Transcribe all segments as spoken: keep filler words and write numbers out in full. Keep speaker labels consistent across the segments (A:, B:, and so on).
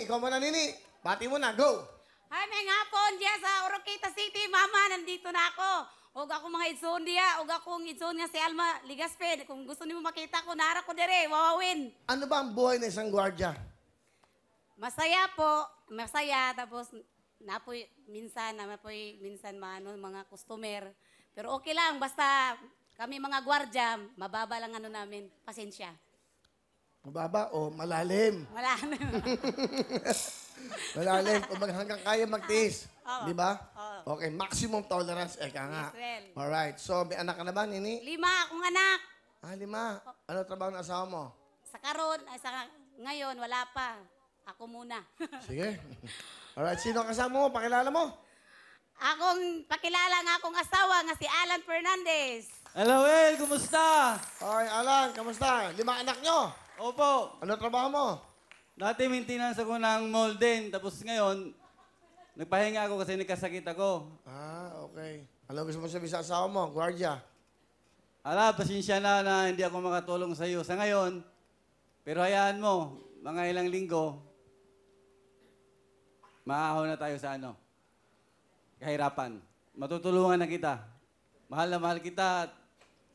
A: Nini, ikaw muna, Nini. Bati mo na, go!
B: Ay, may nga po, diya sa Oroqueta City, mama, nandito na ako. Huwag ako mga idson diya, huwag akong idson nga si Alma Ligaspe. Kung gusto niyo makita ko, nara ko dire, wawawin.
A: Ano ba ang buhay ng isang gwardya?
B: Masaya po, masaya, tapos napoy, minsan, napoy, minsan maano, mga customer. Pero okay lang, basta kami mga gwardya, mababa lang ano namin, pasensya.
A: Mababa o malalim?
B: Wala na.
A: Malalim, kung hanggang kaya magtiis.
B: Oo.
A: Di ba?
B: Oo.
A: Okay, maximum tolerance. Eka nga.
B: Yes, well.
A: Alright, so may anak ka na ba, Nini?
B: Lima akong anak.
A: Ah, lima. Ano trabaho ng asawa mo?
B: Sa karon, ay sa ngayon, wala pa. Ako muna.
A: Sige. Alright, sino ang kasama mo? Pakilala mo?
B: Akong pakilala nga akong asawa nga si Alan Fernandez.
C: Hello, Will. Kumusta?
A: Okay, Alan, kamusta? Lima anak nyo?
C: Opo.
A: Ano trabaho mo?
C: Dati maintenance ako ng mall din. Tapos ngayon, nagpahinga ako kasi nagkasakit ako.
A: Ah, okay. Ano gusto mo sabihin sa asawa mo? Guardia.
C: Ala, pasensya na na hindi ako makatulong sa iyo sa ngayon. Pero hayaan mo, mga ilang linggo, maahon na tayo sa ano, kahirapan. Matutulungan na kita. Mahal na mahal kita. at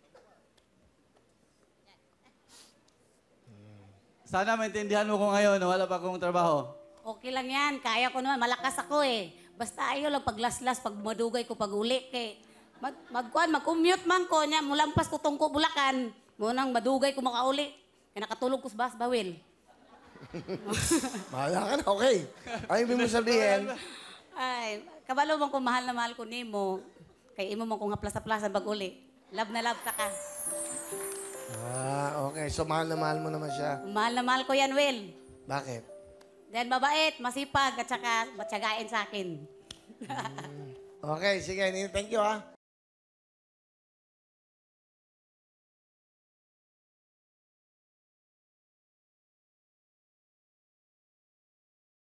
C: Sana maintindihan mo ko ngayon na wala pa akong trabaho.
B: Okay lang yan. Kaya ko naman. Malakas ako eh. Basta ayaw lang paglaslas, pag madugay ko pag uli. Kay, mag, magkuhan, mag-commute man ko niya. Mulampas ko tungko Bulacan. Munang madugay ko makauli. Kaya nakatulog ko sa bus bawil.
A: Bahala ka na, okay. Ay, ibig mo sabihin,
B: Ay, kabalo man ko mahal na mahal ko nimo. Kay imo man ko nga plasa-plasa pag uli. Love na love ta ka.
A: ah, okay. So, mahal na mahal mo naman siya.
B: Mahal na mahal ko yan, Will.
A: Bakit?
B: Dahil mabait, masipag, at saka matsagain sa akin.
A: Okay, sige. Nini, thank you, ha.